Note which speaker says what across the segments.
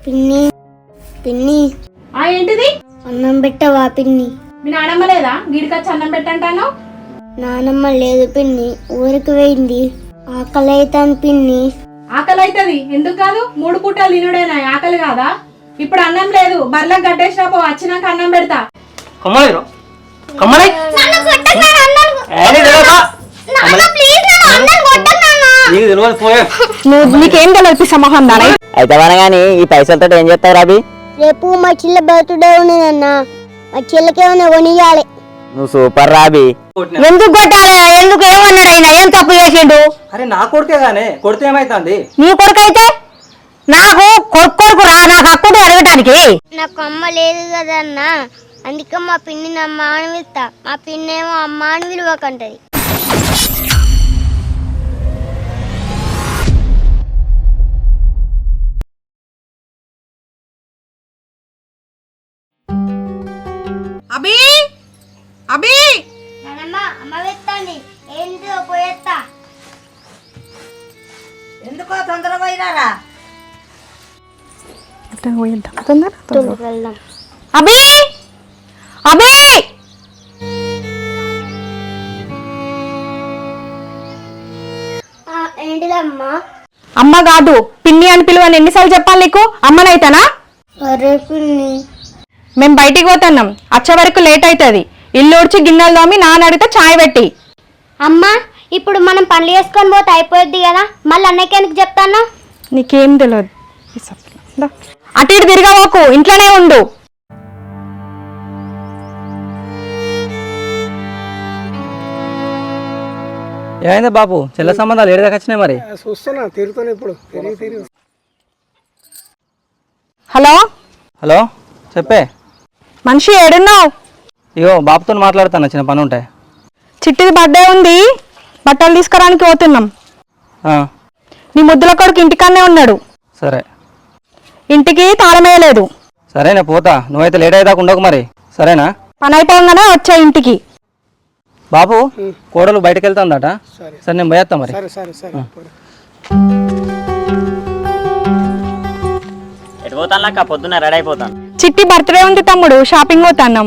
Speaker 1: పిన్ని పిన్ని
Speaker 2: ఏంటిది?
Speaker 1: అన్నం పెట్టవా పిన్ని?
Speaker 2: మీ నానమ్మ లేదా? వీడికొచ్చి అన్నం పెట్టంటాను.
Speaker 1: నానమ్మ లేదు పిన్ని, ఊరికి పోయింది. ఆకలి అవుతాను పిన్ని.
Speaker 2: ఆకలి అవుతుంది ఎందుకు కాదు? 3 పూటలు తినుడేనా, ఆకలి కాదా? ఇప్పుడు అన్నం లేదు, బర్లకు గడ్డేసినా పో, వచ్చినాక అన్నం పెడతా.
Speaker 3: నీకేం తెలియదు సమూహం దాని
Speaker 4: అయితే గానీ ఈ పైసలతో ఏం చేస్తావు రాబి?
Speaker 1: రేపు మా చెల్లె బర్త్డే ఉన్నదన్న, మా చెల్లెకేమైనా కొనియాలి.
Speaker 4: నువ్వు సూపర్ రాబి.
Speaker 3: ఎందుకు కొట్టాలి? ఎందుకు ఏమన్నాడు ఆయన? ఏం తప్పు చేసిండు?
Speaker 5: అరే నా కొడుకే గానే కొడితే ఏమైతుంది?
Speaker 3: నీ కొడుకు అయితే నాకు కొడుకు రా, నాకు హక్కు అడగటానికి.
Speaker 1: నాకు అమ్మ లేదు కదన్న, అందుకే మా పిన్నిని అమ్మ అని పిలుస్తా. మా పిన్నేమో అమ్మ అని విలువకంటది.
Speaker 2: అబీ అబీ
Speaker 1: అమ్మ వెత్తండి, ఏంటో పోయేస్తా.
Speaker 6: ఎందుకో తొందరగా పోయినారా?
Speaker 1: వెళ్దాం.
Speaker 3: అబీ అబీ
Speaker 1: ఏంటిదమ్మా?
Speaker 3: అమ్మ కాదు పిన్ని అని పిలువని ఎన్నిసార్లు చెప్పాలి నీకు? అమ్మనైతానా?
Speaker 1: అరే పిన్ని,
Speaker 3: మేము బయటికి పోతున్నాం, వచ్చే వరకు లేట్ అవుతుంది. ఇల్లు ఉడిచి గిన్నెలు తోమి నాన్న అడిగితే చాయ్ పెట్టి.
Speaker 1: అమ్మ ఇప్పుడు మనం పనులు చేసుకొని పోతే అయిపోద్ది కదా, మళ్ళీ అన్నయ్యకి ఎందుకు చెప్తాను?
Speaker 3: నీకేం తెలియదు. అటు ఇటు తిరగవోకు, ఇంట్లోనే ఉండు.
Speaker 5: ఏమైందా బాబు, చెల్ల సంబంధాలు ఏడు దాకా వచ్చినాయి మరి?
Speaker 7: చూస్తున్నా, తిరుగుతాను ఇప్పుడు తిరిగి.
Speaker 3: హలో
Speaker 5: హలో చెప్పే.
Speaker 3: మనిషి ఏడున్నావు?
Speaker 5: ఇగో బాబుతో మాట్లాడుతాను, చిన్న పని ఉంటాయి.
Speaker 3: చిట్టిది బర్త్డే ఉంది, బట్టలు తీసుకురానికి పోతున్నాం. నీ ముద్దుల కొడుకు ఇంటికాన్నే ఉన్నాడు.
Speaker 5: సరే.
Speaker 3: ఇంటికి తాళం వేయలేదు.
Speaker 5: సరేనా పోతా, నువ్వైతే లేట్ అయ్యేదాకా ఉండకు మరి, సరేనా?
Speaker 3: పని అయిపోగానే వచ్చా ఇంటికి.
Speaker 5: బాబు కోడలు బయటకు వెళ్తాందట. సరే నేను పోయేస్తా మరి.
Speaker 4: ఎటు పోతాను అక్క? పొద్దున్న రెడీ అయిపోతాను.
Speaker 3: చిట్టి బర్త్డే ఉంది తమ్ముడు, షాపింగ్ పోతాన్నాం.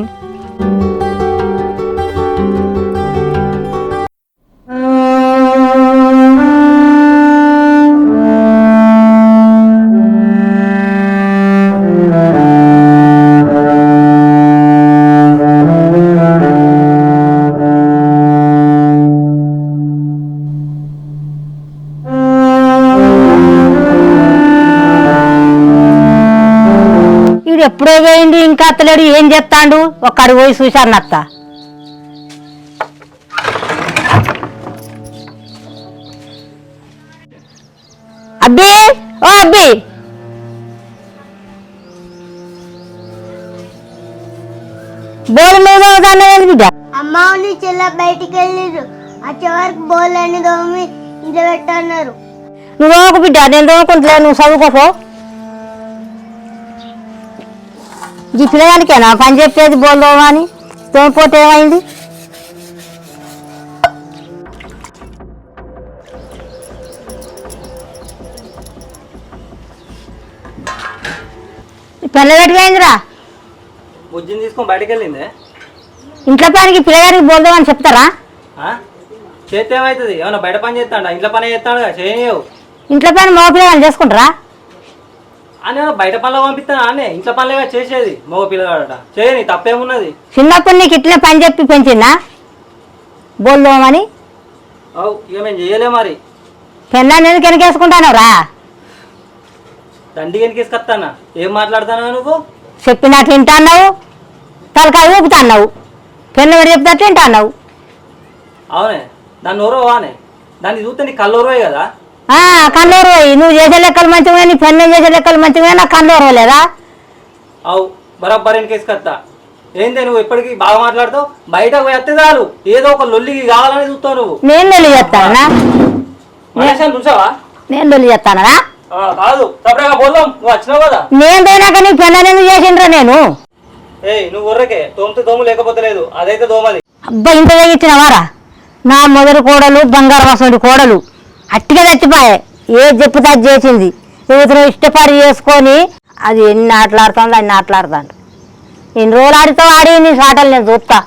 Speaker 6: ఎప్పుడో పోయింది, ఇంకా అత్తలేడు. ఏం చెప్తాండు? ఒక్కడు పోయి చూశాను అత్త. అబ్బి ఓ అబ్బి, బోర్డు మీద బిడ్డ.
Speaker 1: అమ్మ నీ చెల్లె బయటికి వెళ్ళిరు, వచ్చే వరకు బోల్ అని దోమి ఇంట్లో పెట్టన్నారు.
Speaker 6: నువ్వు ఒక బిడ్డ, నేను దోముకుంటలే, నువ్వు చదువుకోపో. ఈ పిల్లగానికేనా పని చెప్పేది? బోల్దోమా అని తోమిపోతే ఏమైంది? పిల్లగట్టుకైందిరా,
Speaker 5: బుజ్జిని తీసుకొని బయటకు వెళ్ళిందే.
Speaker 6: ఇంట్లో పనికి పిల్లగానికి బోల్దోమని చెప్తారా?
Speaker 5: చేస్తే ఏమవుతుంది? ఏమన్నా బయట పని చేస్తాడా? ఇంట్లో పని చేస్తాడు కదా, చేయవు.
Speaker 6: ఇంట్లో పని మగ పిల్లగాని చేసుకుంటారా?
Speaker 5: అని బయట పనులు పంపిస్తాను అనే, ఇంట్లో పనులుగా చేసేది మగ పిల్లగాడట. చేయని తప్పేమున్నది?
Speaker 6: చిన్నప్పుడు నీకు ఇట్లనే పని చెప్పి పెంచిందా బోల్దోమని?
Speaker 5: అవు ఇక మేము చేయలే మరి.
Speaker 6: పెళ్ళాన్ని ఎందుకు వెనకేసుకుంటాను రా?
Speaker 5: దండి వెనకేసుకొస్తానా? ఏం మాట్లాడుతున్నావు నువ్వు?
Speaker 6: చెప్పినట్లు వింటాన్నావు, తలకాయ ఊపుతాన్నావు. పెళ్ళ పెట్టి చెప్తే వింటాన్నావు.
Speaker 5: అవునే, దాన్ని ఓరవానే, దాన్ని చూస్తే నీ కళ్ళోరవే కదా.
Speaker 6: కన్నూరు పోయి నువ్వు చేసే లెక్కలు మంచిగా, నీ పెళ్ళం చేసే లెక్కలు మంచిగా, నాకు కన్నూరు లేదా?
Speaker 5: అవు బరాబర్ వెనకేసుకొస్తా. ఏందే నువ్వు ఇప్పటికీ బాగా మాట్లాడుతావు? బయటకు పోతే చాలు ఏదో ఒక లొల్లికి కావాలని చూస్తావు నువ్వు.
Speaker 6: నేను లొల్లి చేస్తానా?
Speaker 5: చూసావా?
Speaker 6: నేను లొల్లి చేస్తానా?
Speaker 5: కాదు, తప్పగా పోదాం. నువ్వు వచ్చినావు కదా.
Speaker 6: నేను పోయినాక నీ పెళ్ళని ఎందుకు చేసిండ్రా? నేను
Speaker 5: నువ్వు ఉర్రకే తోమితే దోము లేకపోతే లేదు, అదైతే దోమది.
Speaker 6: అబ్బా ఇంత తెగించినవారా? నా మొదటి కోడలు బంగారు వాసండి కోడలు అట్టిగా చచ్చిపోయే. ఏది చెప్పుతా చేసింది. యువతను ఇష్టపడి చేసుకొని అది ఎన్ని ఆటలాడుతుందో అన్ని ఆటలాడుతాడు. ఎన్ని రోజులు ఆడితో ఆడి నీ ఆటలు నేను చూస్తా.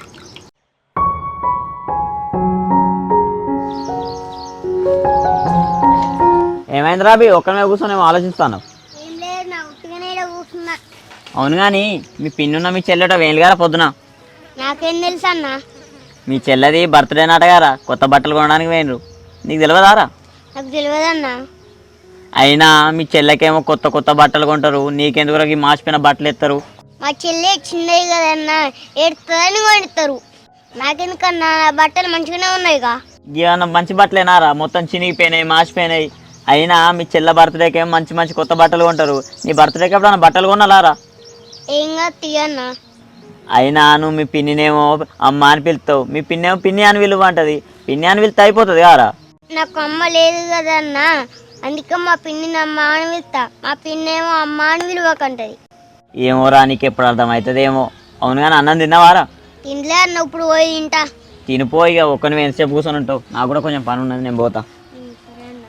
Speaker 4: ఏమైంది రాబీ ఒక్కనే కూర్చొని ఏమో ఆలోచిస్తాను.
Speaker 1: ఏం లేదు నా ఉట్టిగానే ఈడ కూర్చున్నా.
Speaker 4: అవును కానీ మీ పిన్నున్న మీ చెల్లెట వేలుగారా పొద్దున.
Speaker 1: నాకేం తెలుసు అన్న?
Speaker 4: మీ చెల్లెది బర్త్డే నాటగారా కొత్త బట్టలు కొనడానికి పోయినరు. నీకు తెలియదారా?
Speaker 1: నాకు తెలియదన్నా.
Speaker 4: అయినా మీ చెల్లెకేమో కొత్త కొత్త బట్టలు కొంటారు, నీకెందుకు ఈ మాసిపోయిన బట్టలు ఎత్తారు.
Speaker 1: మా చెల్లి చిన్నది కదన్నా, ఏడుతుందని కొడతారు. నాకెందుకన్నా నా బట్టలు మంచిగానే ఉన్నాయిగా.
Speaker 4: ఏమన్నా మంచి బట్టలేనారా? మొత్తం చినిగిపోయినాయి, మాసిపోయినాయి. అయినా మీ చెల్ల బర్త్డేకి ఏమో మంచి మంచి కొత్త బట్టలు కొంటారు. నీ బర్త్డేకి ఎప్పుడన్నా బట్టలు కొనాలారా?
Speaker 1: ఏం కాదు తీయన్నా.
Speaker 4: అయినా నువ్వు మీ పిన్నినేమో అమ్మ అని పిలుస్తావు, మీ పిన్నేమో పిన్ని అని పిలువంటది. పిన్ని అని పిలిస్తే అయిపోతుంది కారా?
Speaker 1: నాకు అమ్మ లేదు కదన్నా, అందుకే మా పిన్నిని అమ్మ అని పిలుస్తా. మా పిన్నేమో అమ్మ అని పిలువకంటది.
Speaker 4: ఏమోరా నీకు ఎప్పుడు అర్థమవుతుందేమో. అవును కానీ అన్నం తిన్నావారా?
Speaker 1: తినలే అన్న, ఇప్పుడు పోయి తింటా.
Speaker 4: తినిపో ఇక ఒక్కని ఎంతసేపు కూర్చొని ఉంటావు. నాకు కూడా కొంచెం పని ఉన్నది, నేను పోతా.
Speaker 1: సరే అన్న.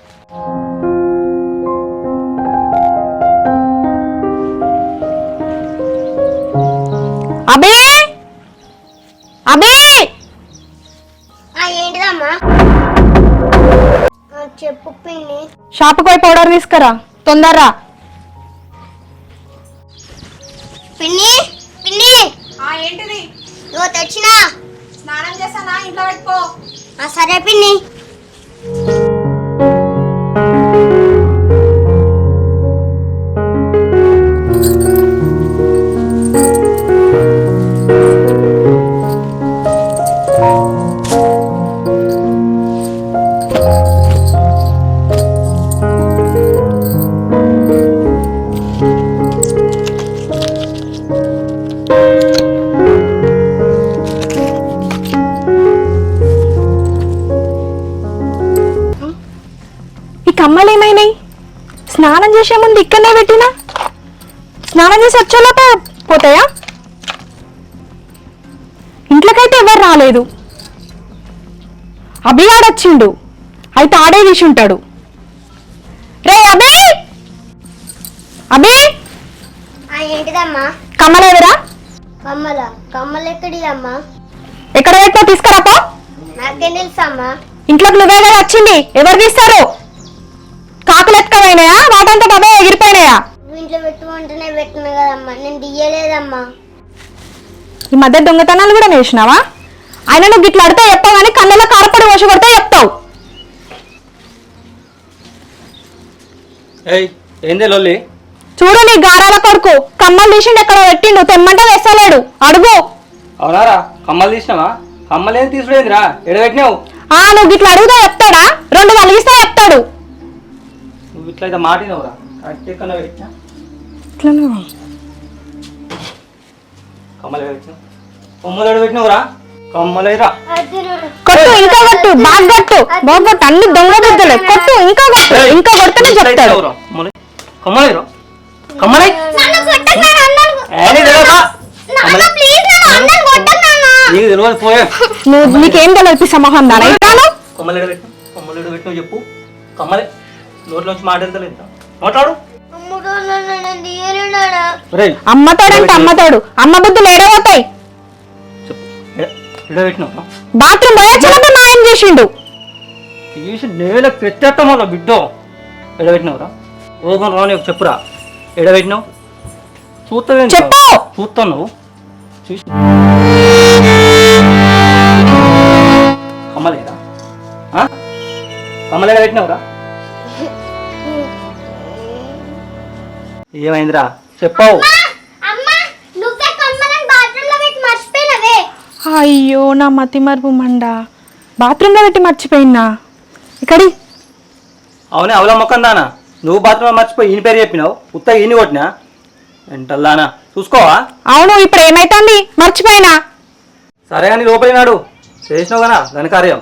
Speaker 3: అబే అబే
Speaker 1: ఏంటిదమ్మా? చెప్పు పిన్ని.
Speaker 3: షాప్కి పోయి పౌడర్ తీసుకురా తొందరరా.
Speaker 1: పిన్ని పిన్ని
Speaker 2: ఏంటిది?
Speaker 1: ఇగో తెచ్చినా.
Speaker 2: స్నానం చేస్తానా? ఇంట్లో పెట్టుకో.
Speaker 1: సరే పిన్ని.
Speaker 3: కమ్మలు ఏమైనాయి? స్నానం చేసే ముందు ఇక్కడనే పెట్టినా, స్నానం చేసి వచ్చేలోప పోతాయా? ఇంట్లోకైతే ఎవరు రాలేదు. అభి ఆడొచ్చిండు, అయితే ఆడే తీసి ఉంటాడు. రే అభి అభి
Speaker 1: ఏంటిదమ్మా?
Speaker 3: కమ్మలేదురా?
Speaker 1: కమ్మలు ఎక్కడి అమ్మా?
Speaker 3: ఎక్కడ పెట్టో తీసుకురాపో.
Speaker 1: నాకేం తెలుసా అమ్మా?
Speaker 3: ఇంట్లోకి నువ్వే కదా వచ్చింది, ఎవరు తీస్తారు? కాకులు ఎత్తుకపోయినాయా, వాటంతా బాబా ఎగిరిపోయినాయా?
Speaker 1: ఇంట్లో పెట్టుకుంటేనే పెట్టిన కదమ్మా, నేను దియ్యలేదమ్మా.
Speaker 3: ఈ మధ్య దొంగతనాలు కూడా నేర్చినావా? ఆయన నువ్వు గిట్లా అడితే చెప్తావు కానీ కళ్ళలో కారపడి వశ కొడితే చెప్తావు.
Speaker 5: ఏయ్ ఏందే లొల్లి?
Speaker 3: చూడు నీ గారాల కొడుకు కమ్మలు తీసిండు, ఎక్కడ పెట్టిండు, తెమ్మంటే వేస్తలేడు. అడుగు.
Speaker 5: అవునారా? కమ్మలు తీసినావా? కమ్మలు ఏం తీసుడేందిరా? ఎడబెట్టినావు?
Speaker 3: నువ్వు గిట్లా అడుగుతా చెప్తాడా? రెండు కలిగిస్తే చెప్తాడు.
Speaker 5: నువ్వు ఇట్లయితే మాటినవురా? కరెక్ట్ ఎక్కడ పెట్టినా కమ్మలు ఎడబెట్టినావు? కొమ్మలు ఎడబెట్టినావురా? కమ్మలేరా?
Speaker 3: కొట్టు, ఇంకా కొట్టు, బాగా కొట్టు, బాగా కొట్టు. అన్ని దొంగ బుద్ధులే. కొట్టు, ఇంకా కొట్టు, ఇంకా కొడితేనే చెప్తాడు.
Speaker 5: కమ్మలేరా? కమ్మలే నీకు తెలియదు పోయా.
Speaker 3: నీకేం తెలియదు సమూహం దాని
Speaker 5: కమ్మలు ఎడబెట్టినావు? కమ్మలు ఎడబెట్టినావు చెప్పు. కమ్మలే నోట్లోంచి మాట వెళ్తలేదు, మాట్లాడు.
Speaker 3: అమ్మతాడంటే అమ్మతాడు, అమ్మ బుద్ధులు ఏడవతాయి.
Speaker 5: ఎడబెట్టినావు?
Speaker 3: బాత్రూమ్ పోయొచ్చినప్పుడు మాయం చేసిండు.
Speaker 5: తీసి నేలకు పెట్టేస్తాం వాళ్ళ బిడ్డ. ఎడబెట్టినావురా? ఓగం రాని చెప్పురా, ఎడబెట్టినావు? చూస్తావే
Speaker 3: చెప్పు.
Speaker 5: చూస్తావు నువ్వు చూసి. కమ్మలేరా? కమ్మలు ఎడబెట్టినావురా? ఏమైందిరా చెప్పావు?
Speaker 3: అయ్యో నా మతి మరుపు మండ, బాత్రూంలో పెట్టి మర్చిపోయినా. ఇక్కడి
Speaker 5: అవునే అవలా మొక్కం దానా, నువ్వు బాత్రూంలో మర్చిపోయి ఈయన పేరు చెప్పినావు. ఉత్తగా ఈయన కొట్టినా ఎంటల్లానా చూసుకోవా?
Speaker 3: అవును, ఇప్పుడు ఏమైతుంది? మర్చిపోయినా.
Speaker 5: సరే కానీ లోపలినాడు చేసినావు కదా ఘనకార్యం.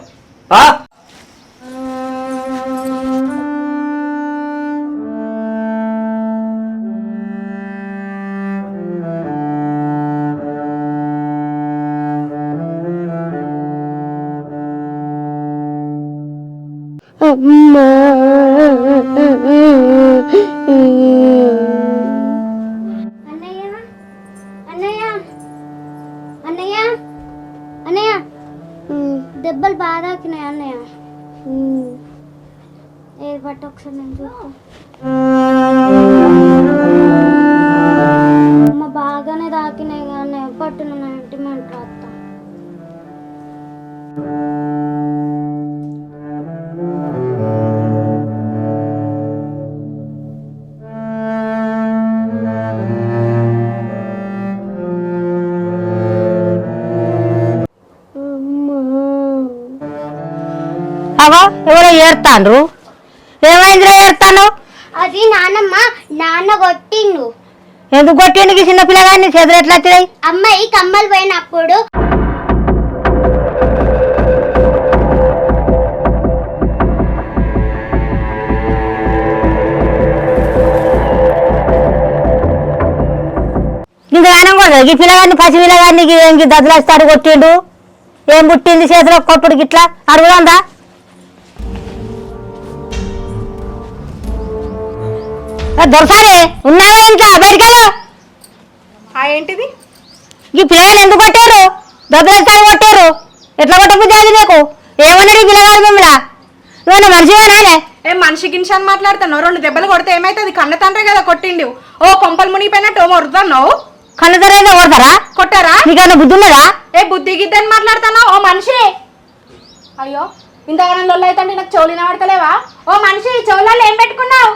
Speaker 1: అమ్మా పట్టు ఒకసారి నేను చూస్తాను. అమ్మ బాగానే తాకినాయి కానీ పట్టున ఇంటిమెంట్ రాస్తా.
Speaker 6: అవో ఎవరో ఏడుతాండ్రు. ఏమైందిరా ఏడుతాను?
Speaker 1: అది నాన్న కొట్టిండు.
Speaker 6: ఎందుకు కొట్టేందుకు చిన్న పిల్లగాన్ని చేతులు ఎట్లా వచ్చినాయి?
Speaker 1: అమ్మాయి కమ్మలు పోయినప్పుడు
Speaker 6: ఇంతగానం కూడా ఈ పిల్లగాన్ని పసి పిల్లగాన్ని దద్దులేస్తాడు కొట్టిండు. ఏం పుట్టింది చేతిలో కొట్టుడు గిట్లా అడుగుదా? దొరసారి ఉన్నావా ఇంట్లో? బయటకెళ్ళు.
Speaker 2: ఏంటిది?
Speaker 6: ఈ పిల్లగాని ఎందుకు కొట్టారు? దద్దులేస్తాడు కొట్టారు. ఎట్లా కొట్టబుద్ధి అది నీకు? ఏమన్నాడు ఈ పిల్లగాడు మిమ్మల్ని? నువ్వు మనిషివేనానే?
Speaker 2: ఏం మనిషి గినిషి అని మాట్లాడుతున్నావు? 2 దెబ్బలు కొడితే ఏమైతుంది? కన్న తండ్రి కదా కొట్టిండు. ఓ కొంపలు మునిగిపోయినట్టు ఓ మొరుతున్నావు.
Speaker 6: కన్న తరైతే కొడతారా?
Speaker 2: కొట్టారా?
Speaker 6: నీకన్నా బుద్ధి ఉన్నదా?
Speaker 2: ఏ బుద్ధి గిద్దని మాట్లాడుతున్నావు? ఓ మనిషి, అయ్యో ఇంతగానం లొల్లు అయితే నాకు చెవులు వినబడతలేవా? ఓ మనిషి, చెవులలో ఏం పెట్టుకున్నావు?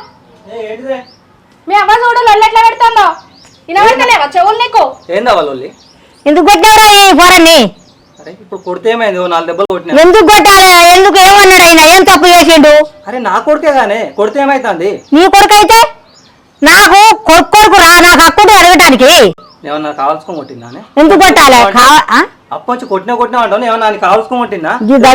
Speaker 2: మీ అవ్వ చూడు లొల్లు ఎట్లా పెడుతుందో. వినబడతలేవా చెవులు నీకు?
Speaker 5: ఏందా వాళ్ళు?
Speaker 6: ఎందుకు కొట్టావురా ఈ పోరన్ని?
Speaker 5: అరే ఇప్పుడు కొడితే ఏమైంది? 4 దెబ్బలు కొట్టినా.
Speaker 6: ఎందుకు కొట్టాలి? ఎందుకు ఏమన్నాడు ఆయన? ఏం తప్పు చేసిండు?
Speaker 5: అరే నా కొడుకే గానే కొడితే ఏమైతుంది?
Speaker 6: నీ కొడుకు అయితే నాకు కొడుకు రా, నాకు హక్కుంటే అడగటానికి.
Speaker 5: ఏమన్నా కావాల్సుకొని కొట్టిందానే?
Speaker 6: ఎందుకు కొట్టాలి?
Speaker 5: అప్పొచ్చి కొట్టినా అంటావు. ఏమన్నా కావాల్సుకొని కొట్టిందా?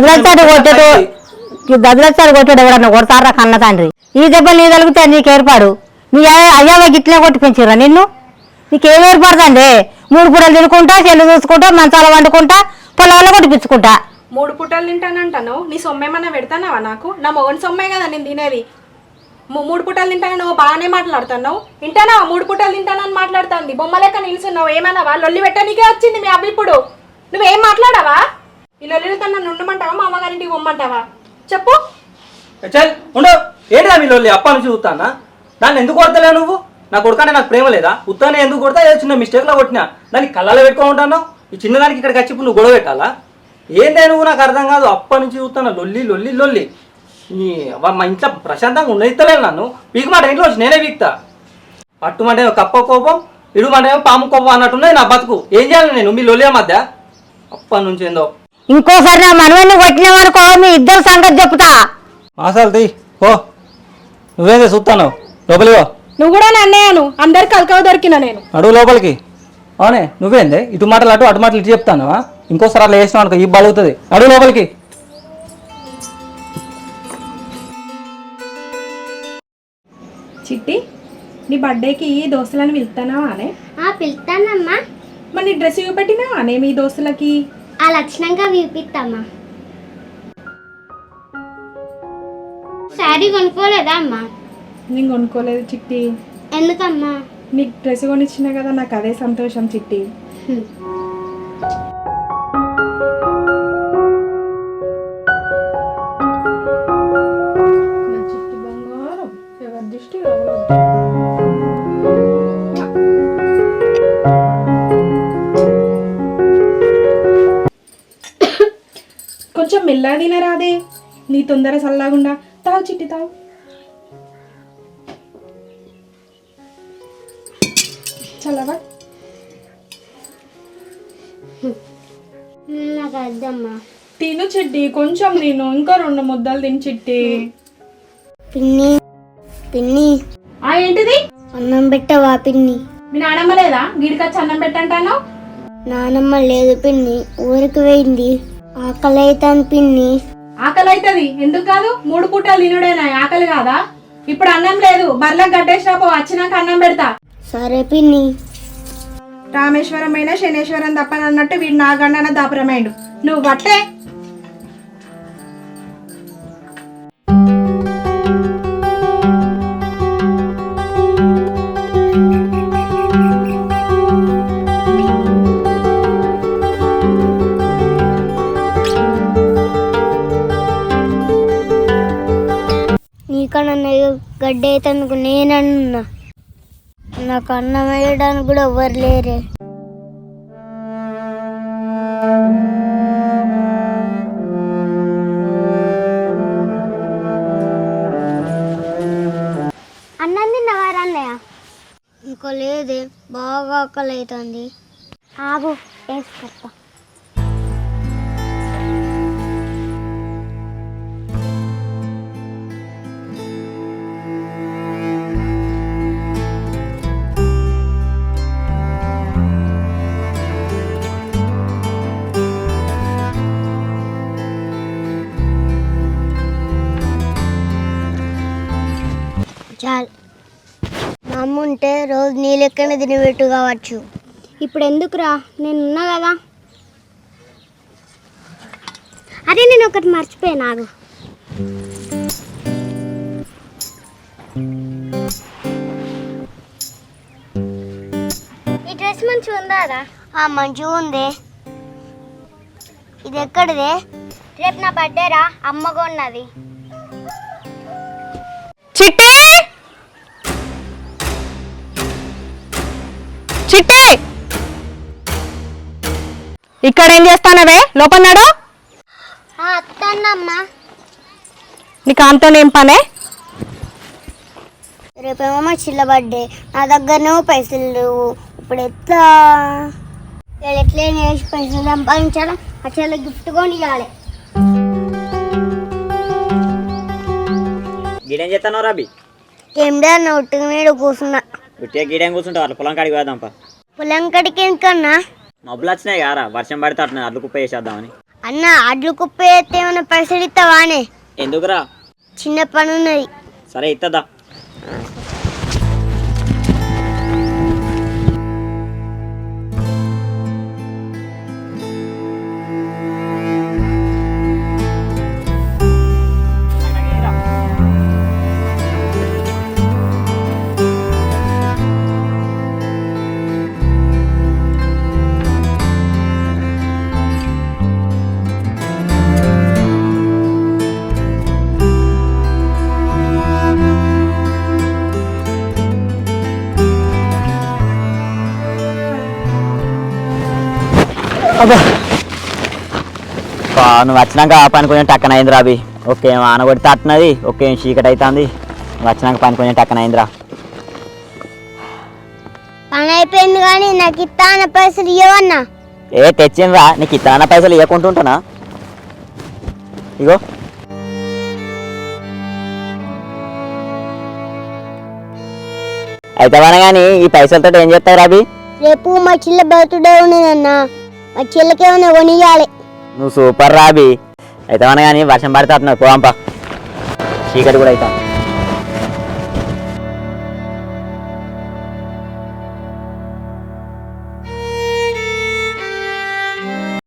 Speaker 6: దద్దులస్తాడు కొట్టాడు ఎవడన్నా కొడతారా కన్న తండ్రి? ఈ దెబ్బలు నీ తలిగితే నీకు ఏర్పాడు. నీ అయ్యవ గిట్లే కొట్టి పెంచిరా నిన్ను? నీకేం ఏర్పడుతుంది? 3 పూటలు తినుకుంటా, చెల్లు చూసుకుంటా, మంచాల వండుకుంటా, పొలాల్లో కొట్టిపించుకుంటా.
Speaker 2: 3 పూటలు తింటానంటాను. నీ సొమ్మేమన్నా పెడతానావా నాకు? నా మొగని సొమ్మే కదా నేను తినేది. 3 పూటలు తింటాను. నువ్వు బాగానే మాట్లాడుతున్నావు. తింటానా? 3 పూటలు తింటానని మాట్లాడుతుంది. బొమ్మ లెక్క నిలుచున్నావు. ఏమన్నావా? లొల్లి పెట్టడానికే వచ్చింది మీ అబ్బి. ఇప్పుడు నువ్వేం మాట్లాడావా? ఈ లొల్లితో నన్ను ఉండమంటావా? మా అమ్మగారింటికి పొమ్మంటావా? చెప్పు.
Speaker 5: చల్ ఉండు. ఏంటిదా మీ లొల్లి? అప్ప నుంచి చూస్తానా? దాన్ని ఎందుకు కొడతలే నువ్వు? నా కొడుకంటే నాకు ప్రేమ లేదా? ఉత్తానే ఎందుకు కొడతా? ఏదో చిన్న మిస్టేక్లో కొట్టినా. దానికి కళ్ళలో పెట్టుకుంటున్నావు. ఈ చిన్నదానికి ఇక్కడికి వచ్చి ఇప్పుడు నువ్వు గొడవ పెట్టాలా? ఏందే నువ్వు? నాకు అర్థం కాదు. అప్ప నుంచి చూస్తాను లొల్లి లొల్లి లొల్లి. మా ఇంట్లో ప్రశాంతంగా ఉండేస్తలేదు నన్ను. పీకు మాట ఇంట్లో వచ్చి నేనే పీకుతా. పట్టుమంటే కప్ప కోపం, ఇడుమంటే పాము కోపం అన్నట్టున్నది నా బతుకు. ఏం చేయాలి నేను మీ లొల్లి మధ్య? అప్ప నుంచి ఏందో.
Speaker 6: ఇంకోసారి నా మనవన్ని కొట్టిన వరకు మీ ఇద్దరు సంగతి చెప్తా.
Speaker 5: అసలు తీ ఓ నువ్వేందే చూస్తాను. లోపలికి
Speaker 2: నువ్వు కూడా నన్నేను. అందరికి కలకవ దొరికినా నేను.
Speaker 5: అడుగు లోపలికి. అవునే నువ్వేందే ఇటు మాటలు అటు మాటలు ఇటు చెప్తాను. ఇంకోసారి అట్లా చేసినావు అనుకో ఈ బలుగుతుంది. అడుగు లోపలికి.
Speaker 2: చిట్టి, నీ బర్త్డేకి దోస్తులను పిలుస్తానావా అనే?
Speaker 1: పిలుస్తానమ్మా.
Speaker 2: మరి నీ డ్రెస్ చూపెట్టినావా అనే మీ దోస్తులకి?
Speaker 1: ఆ లక్షణంగా విపిస్తామా. శారీ కొనుక్కోలేదా అమ్మా?
Speaker 2: నేను కొనుక్కోలేదు చిట్టి.
Speaker 1: ఎందుకమ్మా?
Speaker 2: నీకు డ్రెస్ కొనిచ్చినా కదా, నాకు అదే సంతోషం చిట్టి. నా చిట్టి బంగారం ఎవరి దృష్టి కొంచెం మెల్లగా తినరాదే. నీ తొందర చల్లగుండా. తావు చిట్టి తావు. చల్లవా?
Speaker 1: నాకు అద్దమ్మా.
Speaker 2: తిను చిట్టి, కొంచెం తిను. ఇంకా 2 ముద్దలు తిని చిట్టి.
Speaker 1: పిన్ని పిన్ని
Speaker 2: ఏంటిది?
Speaker 1: అన్నం పెట్టవా పిన్ని?
Speaker 2: మీ నానమ్మ లేదా? గిడికొచ్చి అన్నం పెట్టంటాను.
Speaker 1: నానమ్మ లేదు పిన్ని, ఊరికి పోయింది. ఆకలి అవుతాను పిన్ని.
Speaker 2: ఆకలి అవుతుంది. ఎందుకు కాదు? 3 పూటలు తినుడేనా ఆకలి కాదా? ఇప్పుడు అన్నం లేదు. బర్లకు గడ్డేసినాపో, వచ్చినాక అన్నం పెడతా.
Speaker 1: సరే పిన్ని.
Speaker 2: రామేశ్వరం అయినా శనేశ్వరం తప్పనన్నట్టు వీడు నా గండన దాపురమైండు. నువ్వు బట్టే.
Speaker 1: నీకన్నా గడ్డి అయితే నేనన్నా నాకు అన్నం వేయడానికి కూడా ఎవ్వరు లేరే. అన్నం తిన్నవారా అన్నయ్య? ఇంకో లేదే, బాగా ఆకలి అవుతుంది. ఆగు వేసుకొస్తా. చాలు, మా అమ్మ ఉంటే రోజు నీ లెక్కనే తినబెట్టు కావచ్చు. ఇప్పుడు ఎందుకురా, నేను ఉన్నా కదా. అదే నేను ఒకటి మర్చిపోయాను, ఆగు. ఈ డ్రెస్ మంచిగా ఉందా? మంచిగా ఉంది. ఇది ఎక్కడిదే? రేపు నా బర్త్డేరా, అమ్మ కొన్నది.
Speaker 3: చిట్టి చిట్టి, ఇక్కడ ఏం చేస్తానవే? లోపన్నాడు.
Speaker 1: అత్తన్నమ్మా,
Speaker 3: నీకు ఆమెతో ఏం పనే?
Speaker 1: రేపేమో మా చిల్ల బర్త్డే, నా దగ్గరనేమో పైసలు లేవు. ఇప్పుడు ఎట్లా చేసి పైసలు సంపాదించాలా? ఆ చెల్ల గిఫ్ట్ కొని ఇవ్వాలి.
Speaker 4: గిడేం చేస్తాను రాబి?
Speaker 1: ఏమిడా ఒట్టుగా మీద కూర్చున్నా.
Speaker 4: గుట్టిగా గిడేం కూర్చుంటావు? వాళ్ళ పొలం కాడికి పోదాంపా.
Speaker 1: పొలం కడికి ఎందుకన్నా?
Speaker 4: మబ్బులు వచ్చినాయి కారా, వర్షం పడితే అట్లా అడ్లు కుప్ప వేసేద్దామని.
Speaker 1: అన్న అడ్లు కుప్ప వేస్తే ఏమైనా పైసలు ఇస్తావానే?
Speaker 4: ఎందుకురా?
Speaker 1: చిన్న పని ఉన్నది.
Speaker 4: సరే ఇస్తుందా. నువ్వు వచ్చినాక ఆ పని కొంచెం టక్కన అయింది రాబి. ఓకే ఆన కొడితే అట్టినది, ఓకే చీకటి అవుతుంది. నువ్వు వచ్చినాక పని కొంచెం టక్కన అయిందిరా.
Speaker 1: పని అయిపోయింది కానీ నాకు ఇస్తాన పైసలు ఇవ్వన్నా.
Speaker 4: తెచ్చిండ్రా, నీకు ఇస్తాన పైసలు ఇవ్వకుంటుంటానా? ఇగో అయితే కానీ ఈ పైసలతో ఏం చేస్తావు రాబి?
Speaker 1: రేపు మా చిల్ల బర్త్డే ఉన్నదన్న, మా చిల్లకేమైనా కొనియాలి.
Speaker 4: నువ్వు సూపర్ రాబి. అయితే కానీ వర్షం పడితే అట్లా పోంపా, చీకటి కూడా అవుతాం.